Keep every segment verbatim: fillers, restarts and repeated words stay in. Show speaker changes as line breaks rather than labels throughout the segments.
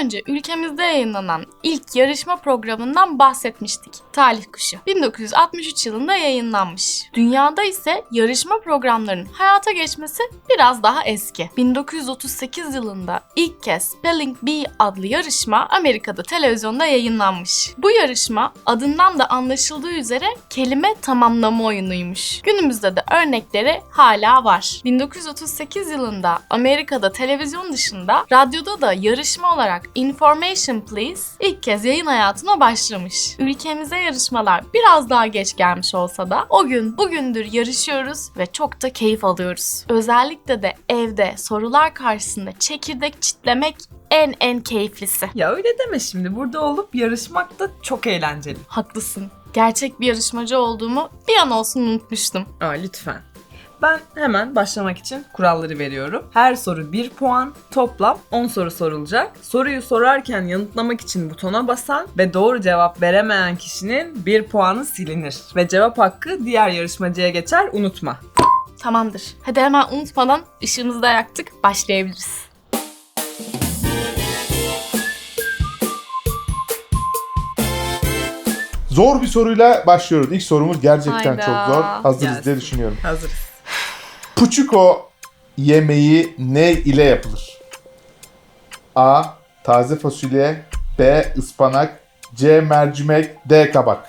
önce ülkemizde yayınlanan ilk yarışma programından bahsetmiştik. Talih Kuşu. bin dokuz yüz altmış üç yılında yayınlanmış. Dünyada ise yarışma programlarının hayata geçmesi biraz daha eski. bin dokuz yüz otuz sekiz yılında ilk kez Spelling Bee adlı yarışma Amerika'da televizyonda yayınlanmış. Bu yarışma adından da anlaşıldığı üzere kelime tamamlama oyunuymuş. Günümüzde de örnekleri hala var. bin dokuz yüz otuz sekiz yılında Amerika'da televizyon dışında radyoda da yarışma olarak Information Please ilk kez yayın hayatına başlamış. Ülkemize yarışmalar biraz daha geç gelmiş olsa da o gün bugündür yarışıyoruz ve çok da keyif alıyoruz. Özellikle de evde sorular karşısında çekirdek çitlemek en en keyiflisi.
Ya öyle deme şimdi. Burada olup yarışmak da çok eğlenceli.
Haklısın. Gerçek bir yarışmacı olduğumu bir an olsun unutmuştum.
Aa, lütfen. Ben hemen başlamak için kuralları veriyorum. Her soru bir puan, toplam on soru sorulacak. Soruyu sorarken yanıtlamak için butona basan ve doğru cevap veremeyen kişinin bir puanı silinir. Ve cevap hakkı diğer yarışmacıya geçer, unutma.
Tamamdır. Hadi hemen unutmadan ışığımızı da yaktık, başlayabiliriz.
Zor bir soruyla başlıyoruz. İlk sorumuz gerçekten
Hayda.
çok zor. Hazırız
Gelsin.
diye düşünüyorum.
Hazırız.
Puçuko yemeği ne ile yapılır? A. Taze fasulye, B. Ispanak, C. Mercimek, D. Kabak.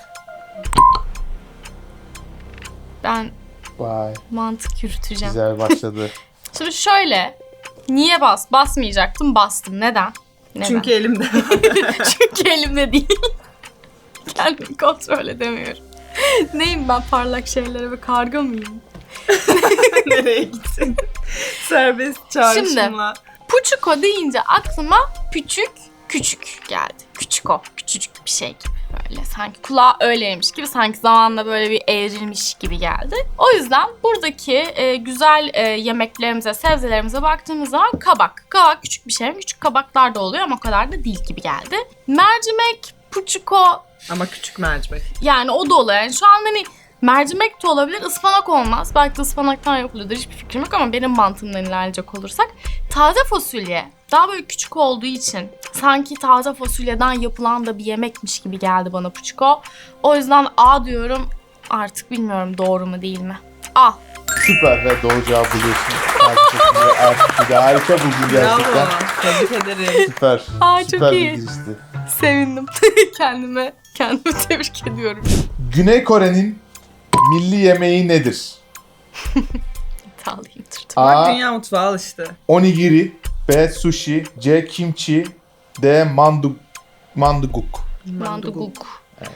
Ben
Vay,
mantık yürüteceğim.
güzel başladı.
Şimdi şöyle, niye bas? Basmayacaktım, bastım. Neden? Neden?
Çünkü elimde.
Çünkü elimde değil. Kendimi kontrol edemiyorum. Neyim ben, parlak şeylere ve karga mıyım?
Nereye gitsin? Serbest çağrışımla.
Puçuko deyince aklıma küçük küçük geldi. Küçüko, küçücük bir şey gibi böyle. Sanki kulağı öyleymiş gibi, sanki zamanla böyle bir evrilmiş gibi geldi. O yüzden buradaki e, güzel e, yemeklerimize, sebzelerimize baktığımız zaman kabak. Kabak küçük bir şey mi? Küçük kabaklar da oluyor ama o kadar da değil gibi geldi. Mercimek, puçuko,
Ama küçük mercimek.
yani o da oluyor. Yani şu an hani mercimek de olabilir, ıspanak olmaz. Belki de ıspanaktan yapılıyordur, hiçbir fikrim yok ama benim mantığımdan ilerleyecek olursak. Taze fasulye daha böyle küçük olduğu için sanki taze fasulyeden yapılan da bir yemekmiş gibi geldi bana puçuko. O yüzden A diyorum, artık bilmiyorum doğru mu değil mi? A.
Süper ve doğru cevabı buluyorsun. Harika, harika buldun gerçekten.
Bravo. Tebrik ederim.
Süper.
Aa, çok
Süper
iyi.
bir girişti.
Sevindim. kendime kendimi tebrik ediyorum.
Güney Kore'nin milli yemeği nedir?
İddialıyımdır.
Bak
A.
dünya mutfağı al işte.
Onigiri, B. Sushi, C. Kimchi, D. Mandu manduguk.
Manduguk.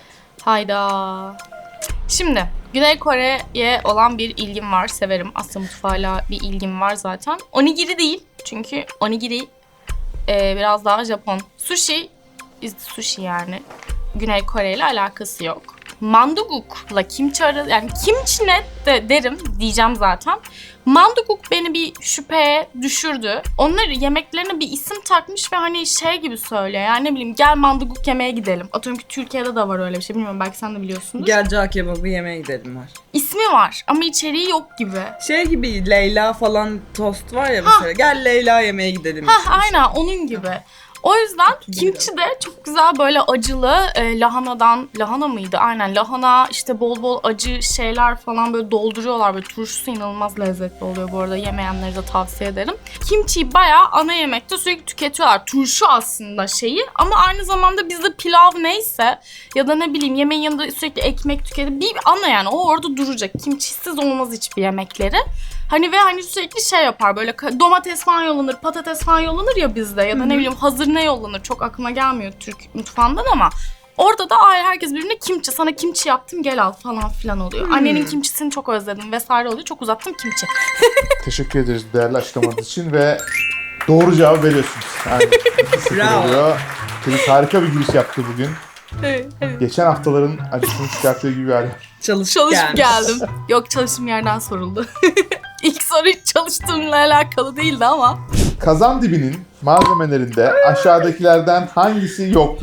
Hayda. Şimdi Güney Kore'ye olan bir ilgim var. Severim. Asya mutfağıyla bir ilgim var zaten. Onigiri değil. Çünkü onigiri e, biraz daha Japon. Sushi, sushi yani. Güney Kore ile alakası yok. Manduguk'la kimchi arası, yani kimchi ne de derim diyeceğim zaten. Manduguk beni bir şüpheye düşürdü. Onları yemeklerine bir isim takmış ve hani şey gibi söylüyor. Yani ne bileyim, gel manduguk yemeye gidelim. Atıyorum ki Türkiye'de de var öyle bir şey. Bilmiyorum, belki sen de biliyorsundur.
Gel cağ kebabı yemeye gidelim var.
İsmi var ama içeriği yok gibi.
Şey gibi Leyla falan tost var ya mesela. Gel Leyla yemeye gidelim.
Hah, aynen onun gibi. O yüzden kimchi de çok güzel böyle acılı e, lahanadan, lahana mıydı? Aynen lahana, işte bol bol acı şeyler falan böyle dolduruyorlar. Böyle turşusu inanılmaz lezzetli oluyor bu arada. Yemeyenleri de tavsiye ederim. Kimchiyi bayağı ana yemekte sürekli tüketiyorlar. Turşu aslında şeyi ama aynı zamanda bizde pilav neyse ya da ne bileyim yemeğin yanında sürekli ekmek tüketip bir ana, yani o orada duracak. Kimchisiz olmaz hiçbir yemekleri. Hani ve hani sürekli şey yapar, böyle domates falan yollanır, patates falan yollanır ya bizde ya da ne bileyim hazır ne yollanır, çok aklıma gelmiyor Türk mutfağından ama orada da ay herkes birbirine kimchi, sana kimchi yaptım gel al falan filan oluyor. Hmm. Annenin kimçisini çok özledim vesaire oluyor, çok uzattım kimchi.
Teşekkür ederiz değerli açıklamanız için ve doğru cevabı veriyorsunuz. Aynen.
Bravo.
Oluyor. Chris harika bir giriş yaptı bugün.
Evet, evet.
Geçen haftaların acısını çıkarttığı gibi bir hal.
Çalışıp,
Çalışıp
gelmiş.
geldim. Yok, çalıştığım yerden soruldu. İlk soru hiç çalıştığımla alakalı değildi ama.
Kazan dibinin malzemelerinde aşağıdakilerden hangisi yoktur?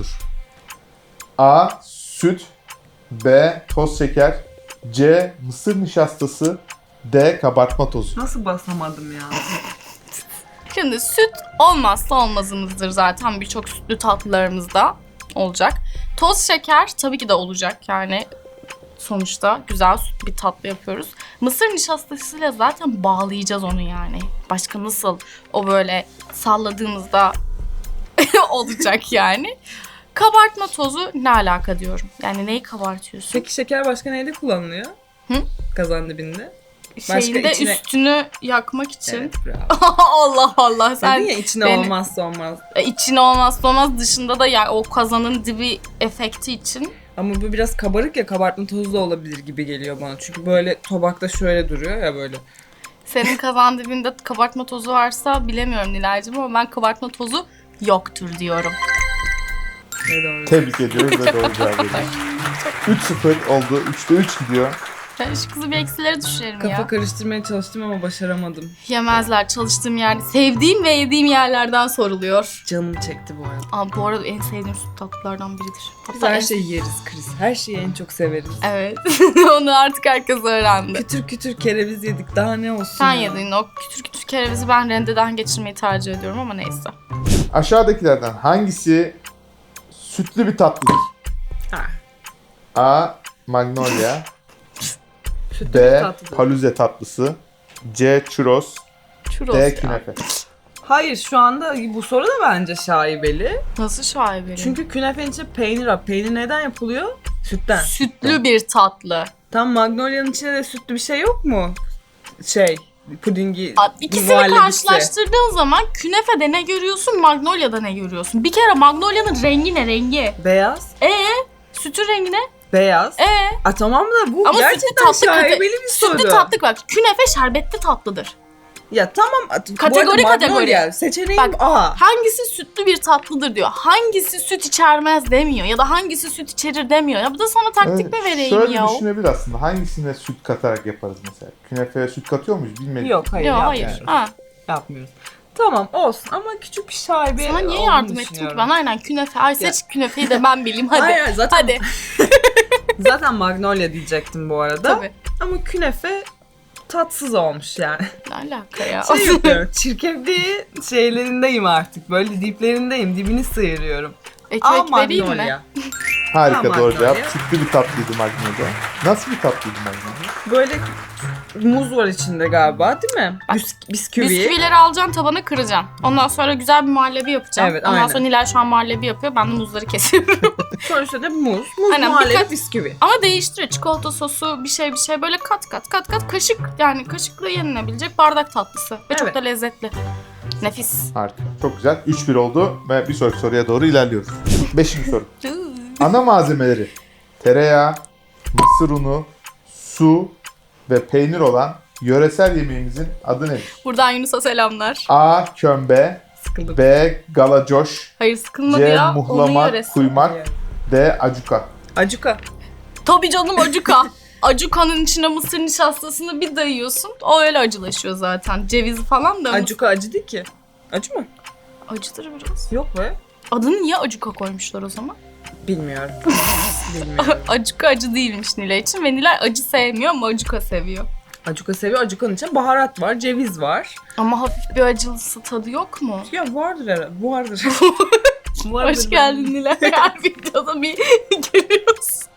A. Süt, B. Toz şeker, C. Mısır nişastası, D. Kabartma tozu.
Nasıl basamadım ya?
Şimdi süt olmazsa olmazımızdır zaten, birçok sütlü tatlılarımızda olacak. Toz şeker tabii ki de olacak yani. Sonuçta güzel süt bir tatlı yapıyoruz. Mısır nişastasıyla zaten bağlayacağız onu yani. Başka nasıl o böyle salladığımızda olacak yani. Kabartma tozu ne alaka diyorum. Yani neyi kabartıyorsun?
Peki şeker başka neyde kullanılıyor?
Hı?
Kazan dibinde. Başka
Şeyinde
içine-
üstünü yakmak için.
Evet, bravo.
Allah Allah sen
Dedin ya içine
beni-
olmazsa olmaz.
E, içine olmazsa olmaz, dışında da yani o kazanın dibi efekti için.
Ama bu biraz kabarık ya, kabartma tozu da olabilir gibi geliyor bana. Çünkü böyle tabakta şöyle duruyor ya böyle.
Senin kazan dibinde kabartma tozu varsa bilemiyorum Nilay'cığım ama ben kabartma tozu yoktur diyorum.
Ne doğru.
Tebrik ediyoruz ve doğru cevap veriyoruz. üç sıfır oldu. üçte üç gidiyor.
Ben şu kızı bir eksilere düşürelim
Kafa
ya.
karıştırmaya çalıştım ama başaramadım.
Yemezler, çalıştığım yerde. Sevdiğim ve yediğim yerlerden soruluyor.
Canım çekti bu arada.
Aa, bu arada en sevdiğim süt tatlılardan biridir.
Biz
Hatta
her
en-
şeyi yeriz Chris. Her şeyi en çok severiz.
Evet. Onu artık herkes öğrendi.
Kütür kütür kereviz yedik. Daha ne olsun
Sen
ya?
yedin o kütür kütür kerevizi, ben rendeden geçirmeyi tercih ediyorum ama neyse.
Aşağıdakilerden hangisi sütlü bir tatlıdır?
Ha.
A. Magnolia.
Sütlü
B.
bir tatlıdır.
Paluze tatlısı. C. Churros.
Churros
D.
ya.
Künefe.
Hayır, şu anda bu soru da bence şaibeli.
Nasıl şaibeli?
Çünkü künefenin içinde peynir var. Peynir neden yapılıyor? Sütten.
Sütlü bir tatlı.
Tam Magnolia'nın içinde de sütlü bir şey yok mu? Şey, pudingi,
Aa, İkisini
muhallebisi.
karşılaştırdığın zaman künefede ne görüyorsun, Magnolia'da ne görüyorsun? Bir kere Magnolia'nın rengi ne rengi?
Beyaz.
Ee, sütün rengi ne?
Beyaz.
Ee,
A tamam da bu
Ama sütlü
gerçekten
tatlı
şaibeli
kate-
bir soru.
sütlü tatlı bak. Künefe şerbetli tatlıdır.
Ya tamam. at- bu
Kategori
arada Magnolia,
kategori.
seçeneğim
Bak,
A.
Hangisi sütlü bir tatlıdır diyor. Hangisi süt içermez demiyor. Ya da hangisi süt içerir demiyor. Ya bu da sana taktik
Evet,
mi vereyim
şöyle
ya?
düşünebilir aslında. Hangisine süt katarak yaparız mesela? Künefeye süt katıyor muyuz bilmedim.
Yok hayır,
Yok
yapmıyoruz.
hayır. Ha.
Yapmıyoruz. Tamam olsun ama küçük bir şaibe
Sana niye
olduğunu
yardım ettim ki
düşünüyorum.
ben? Aynen künefe. Ay seç künefeyi de ben bileyim hadi.
Hayır, hayır, zaten,
Hadi.
zaten Magnolia diyecektim bu arada.
Tabii.
Ama künefe tatsız olmuş yani.
Ne alaka ya?
Şey yapıyorum, çirkefliği şeylerindeyim artık. Böyle diplerindeyim, dibini sıyırıyorum. Aa
Ekmek vereyim mi?
Magnolia.
Harika
Tamam,
doğru cevap.
Magnolia.
Sütlü bir tatlıydı Magnolia. Nasıl bir tatlıydı Magnolia?
Böyle muz var içinde galiba değil mi?
Bak,
Bisk- bisküvi.
Bisküvileri alacaksın, tabana kıracaksın. Ondan sonra güzel bir muhallebi yapacaksın.
Evet,
Ondan
aynen.
sonra Nilay şu an muhallebi yapıyor. Ben de muzları kesiyorum.
Sonuçta da muz. Muz
Aynen,
muhallebi
birkaç-
bisküvi.
Ama değiştiriyor. Çikolata sosu, bir şey bir şey böyle kat kat kat kat kaşık, yani kaşıkla yenilebilecek bardak tatlısı. Ve çok
Evet.
da lezzetli. Nefis.
Harika. Çok güzel. üç bir oldu ve bir sonraki soruya doğru ilerliyoruz. Beşinci soru. Ana malzemeleri tereyağı, mısır unu, su ve peynir olan yöresel yemeğimizin adı nedir?
Buradan Yunus'a selamlar.
A. Kömbe.
Sıkıldım.
B. Galacoş.
Hayır sıkılmadı
C.
ya. Onun
Muhlama,
yöresi.
kuymak. D. Acuka.
Acuka.
Tabii canım acuka. Acukanın içine mısır nişastasını bir dayıyorsun. O öyle acılaşıyor zaten. Cevizi falan da
Acuka acı değil ki. Acı mı?
acıdır biraz.
Yok be.
Adını niye acuka koymuşlar o zaman?
Bilmiyorum. Bilmiyorum.
Acuka acı değilmiş Nilay için ve Nilay acı sevmiyor ama acuka seviyor.
Acuka seviyor. Acukanın içinde baharat var, ceviz var.
Ama hafif bir acılısı tadı yok mu?
Ya vardır herhalde. Vardır. Vardır
Hoş geldin Nilay. Her videoda bir geliyorsun.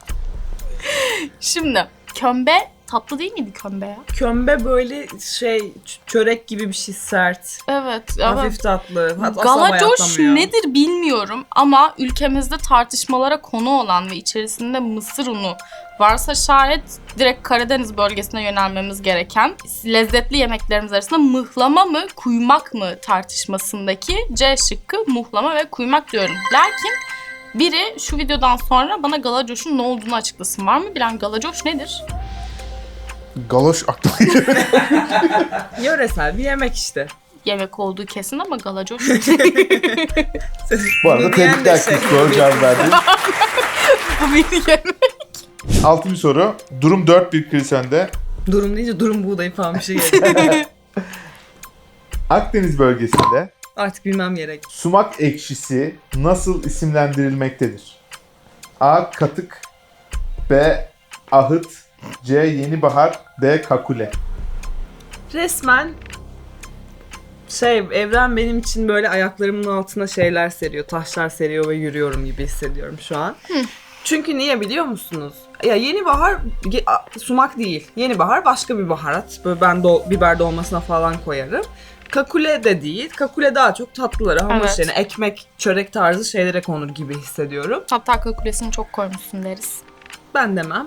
Şimdi kömbe tatlı değil miydi kömbe ya?
Kömbe böyle şey ç- çörek gibi bir şey sert.
Evet.
Hafif
evet.
tatlı. Hatta asla
Galacoş
bayatlamıyor.
nedir bilmiyorum ama ülkemizde tartışmalara konu olan ve içerisinde mısır unu varsa şayet direkt Karadeniz bölgesine yönelmemiz gereken lezzetli yemeklerimiz arasında mıhlama mı kuymak mı tartışmasındaki C şıkkı muhlama ve kuymak diyorum. Lakin biri şu videodan sonra bana galacoşun ne olduğunu açıklasın. Var mı bilen galacoş nedir?
Galoş aklıma geliyor.
Yöresel bir yemek işte.
Yemek olduğu kesin ama galacoş
Bu arada
Bunu diyen de
tebrikler
şey.
kız. Doğru cevap verdin.
bu bir yemek.
Altıncı soru. Durum dört bir Chris önde.
Durum deyince durum buğdayı falan bir şey geliyor.
Akdeniz bölgesinde
Artık bilmem gerek.
sumak ekşisi nasıl isimlendirilmektedir? A. Katık. B. Ahıt. C. Yenibahar. D. Kakule.
Resmen Şey, evren benim için böyle ayaklarımın altına şeyler seriyor, taşlar seriyor ve yürüyorum gibi hissediyorum şu an. Çünkü niye biliyor musunuz? Ya yeni bahar ge- a- sumak değil. Yeni bahar başka bir baharat. Böyle ben do- biber dolmasına falan koyarım. Kakule de değil. Kakule daha çok tatlılara, hamur
Evet.
işlerine, ekmek, çörek tarzı şeylere konur gibi hissediyorum.
Hatta kakulesini çok koymuşsun deriz.
Ben demem.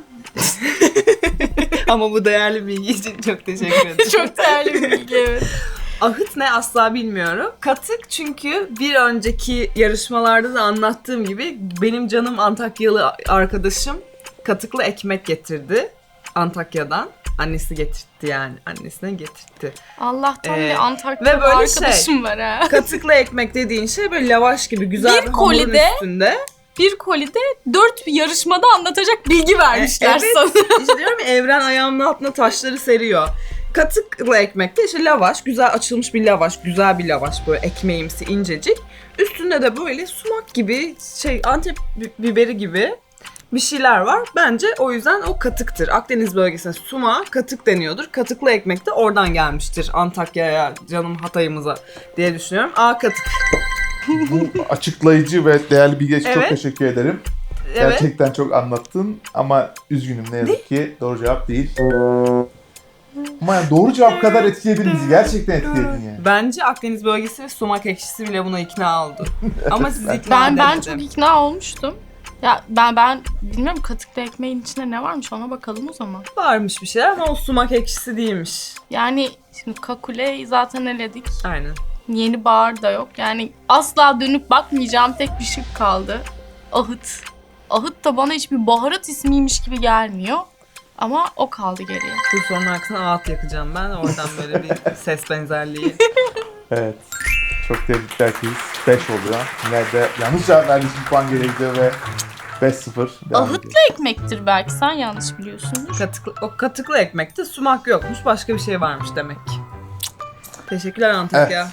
Ama bu değerli bilgi için çok teşekkür ederim.
Çok değerli bir bilgi, evet.
Ahıt ne asla bilmiyorum. Katık çünkü bir önceki yarışmalarda da anlattığım gibi benim canım Antakyalı arkadaşım katıklı ekmek getirdi Antakya'dan. Annesi getirtti yani. Annesine getirtti.
Allah'tan
Ee,
bir Antakyalı
ve böyle
arkadaşım var ha.
Katıklı ekmek dediğin şey böyle lavaş gibi güzel
Bir
bir, hamurun
kolide-
üstünde.
Bir kolide dört yarışmada anlatacak bilgi vermişler
E, evet.
sana.
İşte diyorum ya, evren ayağımın altına taşları seriyor. Katıklı ekmekte işte lavaş, güzel açılmış bir lavaş, güzel bir lavaş böyle ekmeğimsi incecik. Üstünde de böyle sumak gibi şey Antep bi- biberi gibi bir şeyler var. Bence o yüzden o katıktır. Akdeniz bölgesine sumağa katık deniyordur. Katıklı ekmek de oradan gelmiştir Antakya'ya, canım Hatay'ımıza diye düşünüyorum. A katık.
Bu açıklayıcı ve değerli bilgi için çok
Evet.
teşekkür ederim.
Evet.
Gerçekten çok anlattın ama üzgünüm ne yazık ki doğru cevap değil. Ama yani doğru cevap kadar etkiledin bizi. Gerçekten etkiledin yani.
Bence Akdeniz bölgesi ve sumak ekşisi bile buna ikna oldu. Ama sizi ikna
Ben ben
edemedim.
çok ikna olmuştum. Ya ben ben bilmiyorum katıklı ekmeğin içinde ne varmış ona bakalım o zaman.
Varmış bir şeyler ama o sumak ekşisi değilmiş.
Yani şimdi kakuleyi zaten eledik.
Aynen.
Yeni bahar da yok. Yani asla dönüp bakmayacağım tek bir şık kaldı. Ahıt. Ahıt da bana hiçbir baharat ismiymiş gibi gelmiyor. Ama o kaldı geriye.
Bu sorunun arkasına ağıt yakacağım ben. Oradan böyle bir ses benzerliği.
Evet. Çok tebrikler ki beş oluyor. Nerede yanlış cevap verdiği için puan geri gidiyor ve beş sıfır devam ediyor.
Ahıtlı ekmektir belki, sen yanlış biliyorsundur.
Katıklı, o katıklı ekmekte sumak yokmuş. Başka bir şey varmış demek ki. Teşekkürler Antakya.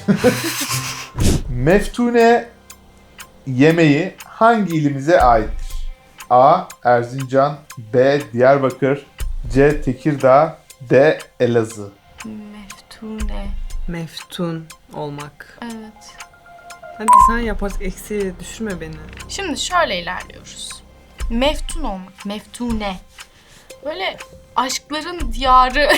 Meftune yemeği hangi ilimize aittir? A. Erzincan, B. Diyarbakır, C. Tekirdağ, D. Elazığ.
Meftune.
Meftun olmak.
Evet.
Hadi sen yap artık, eksiğe düşürme beni.
Şimdi şöyle ilerliyoruz. Meftun olmak. Meftune. Böyle aşkların diyarı.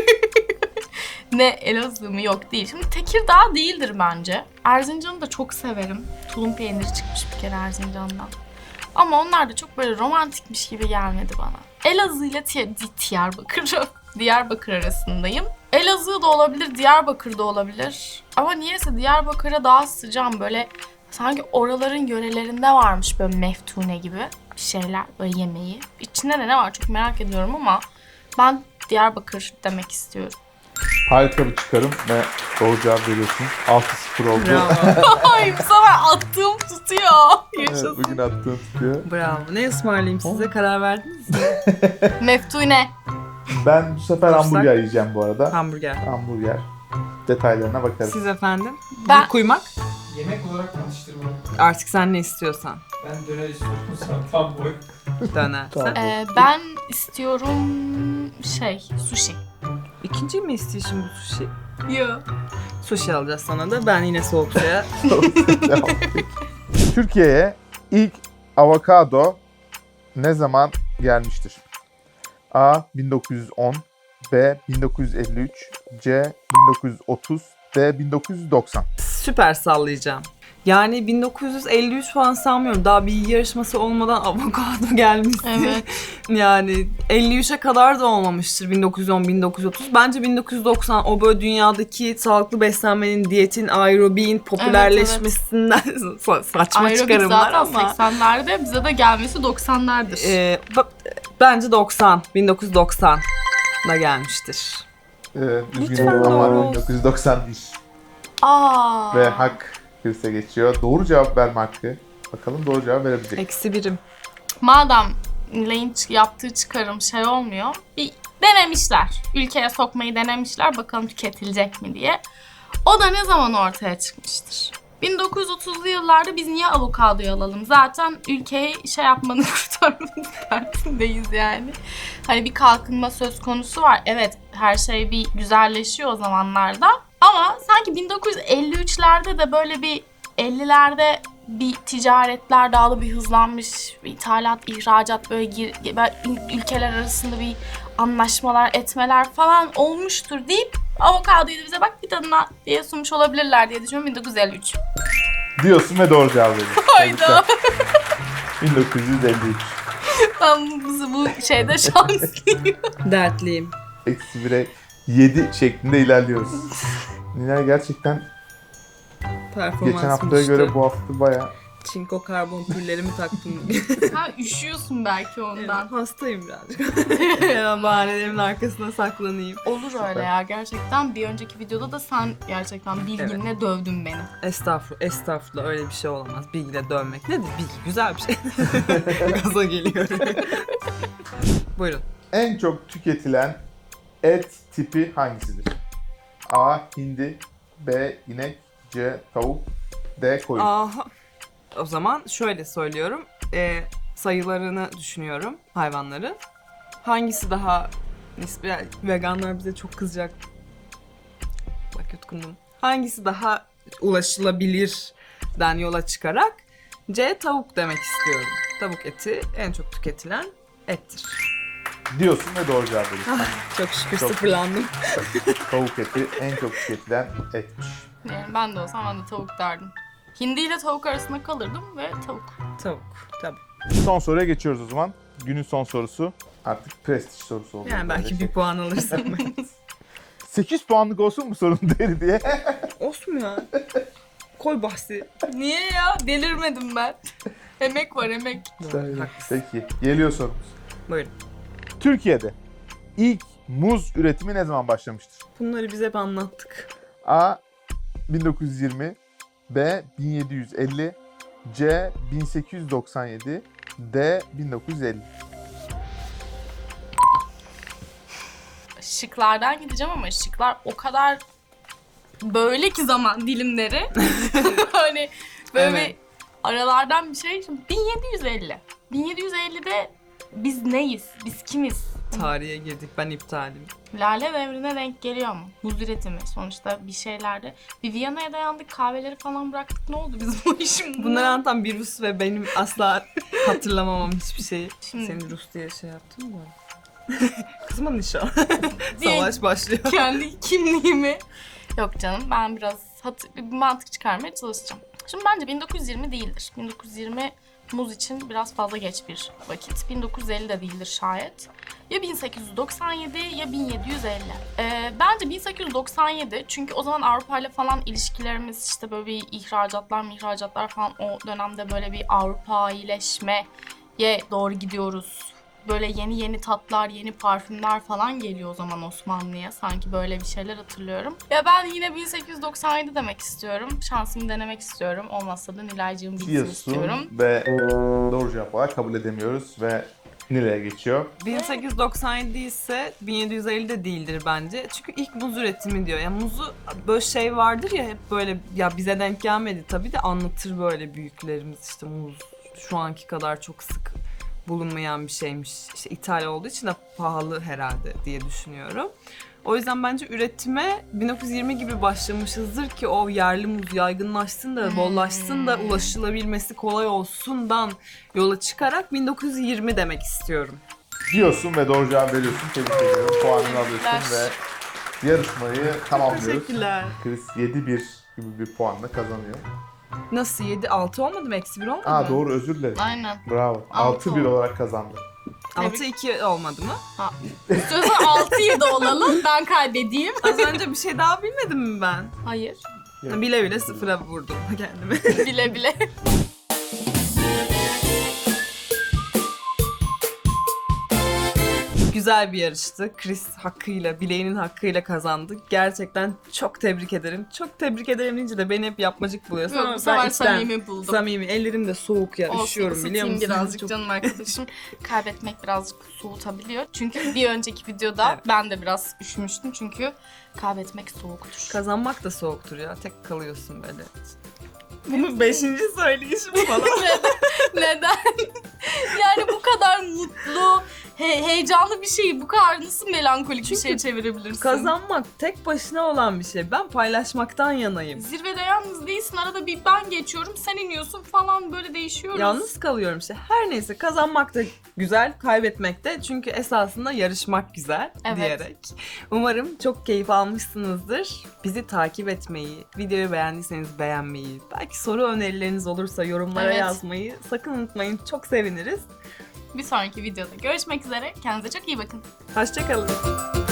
Ne Elazığ mı? Yok değil. Şimdi Tekirdağ değildir bence. Erzincan'ı da çok severim. Tulum peyniri çıkmış bir kere Erzincan'dan. Ama onlar da çok böyle romantikmiş gibi gelmedi bana. Elazığ ile Ti- Di- Diyarbakır, Diyarbakır arasındayım. Elazığ da olabilir, Diyarbakır da olabilir. Ama niyeyse Diyarbakır'a daha sıcağım, böyle sanki oraların yörelerinde varmış böyle meftune gibi bir şeyler, böyle yemeği. İçinde de ne var çok merak ediyorum ama ben Diyarbakır demek istiyorum.
Harika bir çıkarım ve doğru cevap veriyorsun. altı sıfır oldu.
Bravo.
Ay bu sefer attığım tutuyor.
Evet,
Yaşasın.
bugün attığın tutuyor.
Bravo. Ne ısmarlayayım size, karar verdiniz mi?
Meftune.
Ben bu sefer
Dursak.
hamburger yiyeceğim bu arada.
Hamburger.
Hamburger. Detaylarına bakarız.
Siz efendim?
Ben-
Bir kuymak.
Yemek olarak atıştırma.
Artık sen ne istiyorsan.
Ben döner istiyorum sana tam boy.
Döner.
Tamam.
Sen-
Ee, ben istiyorum şey, sushi.
İkinci mi istiyorsun bu sushi?
Yok.
Sushi alacağız sana da. Ben yine soğuk suya.
Devam. Türkiye'ye ilk avokado ne zaman gelmiştir? A. bin dokuz yüz on, B. bin dokuz yüz elli üç, C. bin dokuz yüz otuz, D. bin dokuz yüz doksan.
Süper sallayacağım. Yani bin dokuz yüz elli üç falan sanmıyorum. Daha bir yarışması olmadan avokado gelmişti.
Evet.
Yani elli üçe kadar da olmamıştır bin dokuz yüz on bin dokuz yüz otuz. Bence bin dokuz yüz doksan o böyle dünyadaki sağlıklı beslenmenin, diyetin, aerobiğin popülerleşmesinden sa- saçma
Aerobik
çıkarımlar
zaten
ama.
seksenlerde, bize de gelmesi doksanlardır.
Ee, ba- bence doksan. bin dokuz yüz doksan da gelmiştir.
Ee,
Lütfen
üzgünüm
doğru
ama
olsun.
bin dokuz yüz doksan değil.
Aa.
Ve hak Chris'e geçiyor. Doğru cevap verme hakkı. Bakalım doğru cevap verebilecek.
Eksi birim.
Madem Lane'in yaptığı çıkarım şey olmuyor, bir denemişler. Ülkeye sokmayı denemişler, bakalım tüketilecek mi diye. O da ne zaman ortaya çıkmıştır? bin dokuz yüz otuzlu yıllarda biz niye avokadoyu alalım? Zaten ülkeyi şey yapmanın kurtarmanın derdindeyiz yani. Hani bir kalkınma söz konusu var. Evet, her şey bir güzelleşiyor o zamanlarda. Ama sanki bin dokuz yüz elli üçlerde de böyle bir ellilerde bir ticaretler daha da bir hızlanmış. Bir ithalat, ihracat böyle, gir, böyle ül- ülkeler arasında bir anlaşmalar, etmeler falan olmuştur deyip avokadoyu da bize bak bir tadına diye sunmuş olabilirler diye düşünüyorum. bin dokuz yüz elli üç.
Diyorsun ve doğru cevap veriyorsun.
Hayda.
bin dokuz yüz elli üç.
Ben bu, bu şeyde şanslıyım.
Dertliyim.
Eksi bire yedi şeklinde ilerliyoruz. Nilay gerçekten
Performans
geçen haftaya göre bu hafta bayağı
Çinko karbon pillerimi taktım.
Ha üşüyorsun belki ondan.
Evet, hastayım birazcık. Hemen bahanelerimin arkasına saklanayım.
Olur öyle ya gerçekten. Bir önceki videoda da sen gerçekten bilginle dövdün beni.
Estağfurullah, estağfurullah öyle bir şey olamaz. Bilgiyle dövmek nedir? Bilgi güzel bir şey. Gaza geliyorum. Buyurun.
en çok tüketilen et tipi hangisidir? A. Hindi, B. inek, C. Tavuk, D. Koyun.
Aha. O zaman şöyle söylüyorum. Ee, sayılarını düşünüyorum hayvanları. Hangisi daha nispeten veganlar bize çok kızacak. Bak yutkundum. Hangisi daha ulaşılabilirden yola çıkarak C tavuk demek istiyorum. Tavuk eti en çok tüketilen ettir.
Diyorsun ve doğru cevap veriyorsun.
Çok şükür
Çok-
sıfırlandım.
Tavuk eti en çok tüketilen etmiş.
Yani ben de olsam ben de tavuk derdim. Hindi ile tavuk arasında kalırdım ve tavuk.
Tavuk tabii.
Son soruya geçiyoruz o zaman. Günün son sorusu. Artık prestij sorusu oldu.
Yani belki bir puan alırsam ben.
sekiz puanlık olsun mu sorun değil diye.
Olsun ya. Koy bahsi.
Niye ya? Delirmedim ben. Emek var emek.
Peki. Geliyor sorumuz.
Buyurun.
Türkiye'de ilk muz üretimi ne zaman başlamıştır?
Bunları biz hep anlattık.
A. bin dokuz yüz yirmi, B. bin yedi yüz elli, C. bin sekiz yüz doksan yedi, D. bin dokuz yüz elli.
Şıklardan gideceğim ama şıklar o kadar böyle ki zaman dilimleri. Hani böyle
Evet.
bir aralardan bir şey. Şimdi bin yedi yüz elli. bin yedi yüz ellide biz neyiz? Biz kimiz?
Tarihe girdik. Ben iptalim.
Lale devrine denk geliyor mu? Buz üretimi sonuçta bir şeylerde. Bir Viyana'ya dayandık, kahveleri falan bıraktık. Ne oldu bizim bu işim?
Bunları anlatan bir Rus ve benim asla hatırlamamam hiçbir şeyi.
Şimdi-
Seni Rus diye şey yaptın mı? Kızma inşallah.
Diye-
Savaş başlıyor.
Kendi kimliğimi. Yok canım ben biraz hat- bir mantık çıkarmaya çalışacağım. Şimdi bence bin dokuz yüz yirmi değildir. bin dokuz yüz yirmi muz için biraz fazla geç bir vakit. bin dokuz yüz elli de değildir şayet. Ya bin sekiz yüz doksan yedi ya bin yedi yüz elli. Ee, bence bin sekiz yüz doksan yedi çünkü o zaman Avrupa ile falan ilişkilerimiz işte böyle bir ihracatlar mihracatlar falan o dönemde böyle bir Avrupa iyileşmeye doğru gidiyoruz. Böyle yeni yeni tatlar, yeni parfümler falan geliyor o zaman Osmanlı'ya. Sanki böyle bir şeyler hatırlıyorum. Ya ben yine bin sekiz yüz doksan yedi demek istiyorum. Şansımı denemek istiyorum. Olmazsa da Nilay'cığım bilsin istiyorum.
Diyorsun ve doğru cevap olarak kabul edemiyoruz ve Nilay'a geçiyor.
bin sekiz yüz doksan yedi ise bin yedi yüz elli de değildir bence. Çünkü ilk muz üretimi diyor. Yani muzu böyle şey vardır ya hep böyle ya bize denk gelmedi tabii de anlatır böyle büyüklerimiz işte muz şu anki kadar çok sık bulunmayan bir şeymiş. İşte ithal olduğu için de pahalı herhalde diye düşünüyorum. O yüzden bence üretime bin dokuz yüz yirmi gibi başlamışızdır ki o yerli muz yaygınlaşsın da bollaşsın da ulaşılabilmesi kolay olsundan yola çıkarak bin dokuz yüz yirmi demek istiyorum.
Diyorsun ve doğru cevap veriyorsun. Tebrik ediyorum. Puanını alıyorsun
Teşekkürler.
ve yarışmayı tamamlıyoruz.
Teşekkürler.
Chris yedi bir gibi bir puanla kazanıyor.
Nasıl yedi altı olmadı mı? Eksi bir olmadı
Aa
mı?
doğru, özür dilerim.
Aynen.
Bravo.
Altı
altı bir
oldu.
olarak kazandı.
altı iki olmadı mı?
Ha. İstiyorsan altı yedi olalım. Ben kaybedeyim.
Az önce bir şey daha bilmedim mi ben?
Hayır.
Evet.
Bile bile sıfıra vurdum kendimi.
Bile bile.
Güzel bir yarıştı. Chris hakkıyla, bileğinin hakkıyla kazandı. Gerçekten çok tebrik ederim. Çok tebrik ederim deyince de beni hep yapmacık buluyorsun
Yok,
ama
bu sefer
ben içten
samimi buldum.
samimi. Ellerim de soğuk ya.
Olsun,
Üşüyorum biliyor
ısıtayım
musun?
birazcık
Çok-
canım arkadaşım. Kaybetmek birazcık soğutabiliyor. Çünkü bir önceki videoda
Evet.
ben de biraz üşümüştüm. Çünkü kaybetmek soğuktur.
Kazanmak da soğuktur ya. Tek kalıyorsun böyle. Bunu beşinci söyleyişim falan.
Neden? Yani bu kadar mutlu, He- heyecanlı bir şeyi bu kadar nasıl melankolik bir
Çünkü
şey çevirebilirsin?
Kazanmak tek başına olan bir şey. Ben paylaşmaktan yanayım.
Zirvede yalnız değilsin. Arada bir ben geçiyorum, sen iniyorsun falan, böyle değişiyoruz.
Yalnız kalıyorum işte. Her neyse, kazanmak da güzel, kaybetmek de. Çünkü esasında yarışmak güzel
Evet.
diyerek. Umarım çok keyif almışsınızdır. Bizi takip etmeyi, videoyu beğendiyseniz beğenmeyi, belki soru önerileriniz olursa yorumlara
Evet.
yazmayı sakın unutmayın. Çok seviniriz.
Bir sonraki videoda görüşmek üzere. Kendinize çok iyi bakın.
Hoşçakalın.